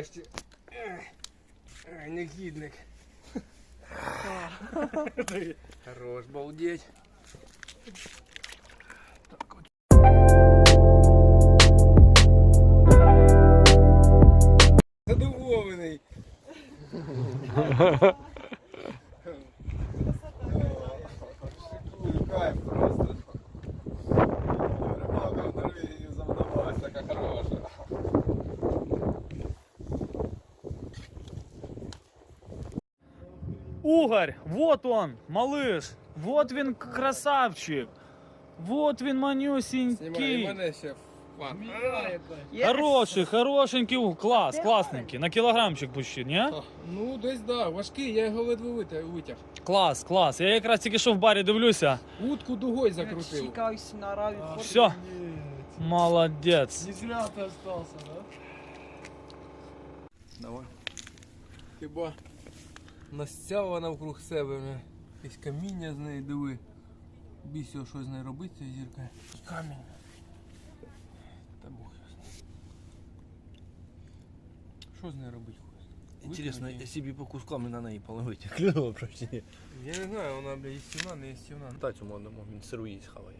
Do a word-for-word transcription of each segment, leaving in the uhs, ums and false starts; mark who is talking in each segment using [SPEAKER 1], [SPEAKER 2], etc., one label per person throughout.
[SPEAKER 1] нарешті. Ай, негідник. Хорош, балдеть. Так от. Задоволений. Кайф просто. Рыбалка в Норвегии завдалась, така хороша.
[SPEAKER 2] Угорь, вот он, малыш, вот він красавчик, вот він
[SPEAKER 1] Знімай, і
[SPEAKER 2] манюсінький.
[SPEAKER 1] мене ще в план.
[SPEAKER 2] Хороший, хорошенький, у, клас, класненький, на кілограмчик почти, ні?
[SPEAKER 1] Ну, десь да, важкий, я його ледве витя- витяг.
[SPEAKER 2] Клас, клас, я якраз тільки що в барі дивлюся,
[SPEAKER 1] Утку дугой закрутив.
[SPEAKER 3] Чикайся на рави.
[SPEAKER 2] все, молодець.
[SPEAKER 3] Не зря ты остался, да?
[SPEAKER 1] Давай. Хіба настяла навкруг себе, бля. Якесь каміння з неї, диви. Бійся, що з нею робити, ця зірка. Камінь. Та Бог його знає. Що з нею робити хочеш?
[SPEAKER 4] Интересно,
[SPEAKER 1] Викинути
[SPEAKER 4] если бы по кускам на неї половить, клюнуло просто.
[SPEAKER 1] її? Я не знаю, вона, бля, їстівна, не їстівна.
[SPEAKER 4] Та цьому одному, він сиру їсть хаває.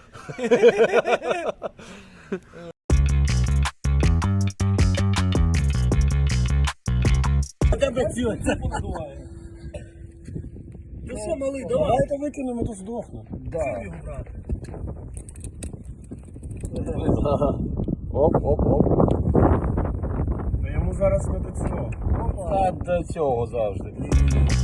[SPEAKER 3] Ну все, малый, давай. Давай это выкинем, это сдохнет. Да.
[SPEAKER 4] Оп, оп, оп.
[SPEAKER 3] Та йому зараз не до цього.
[SPEAKER 4] Та до цього завжди.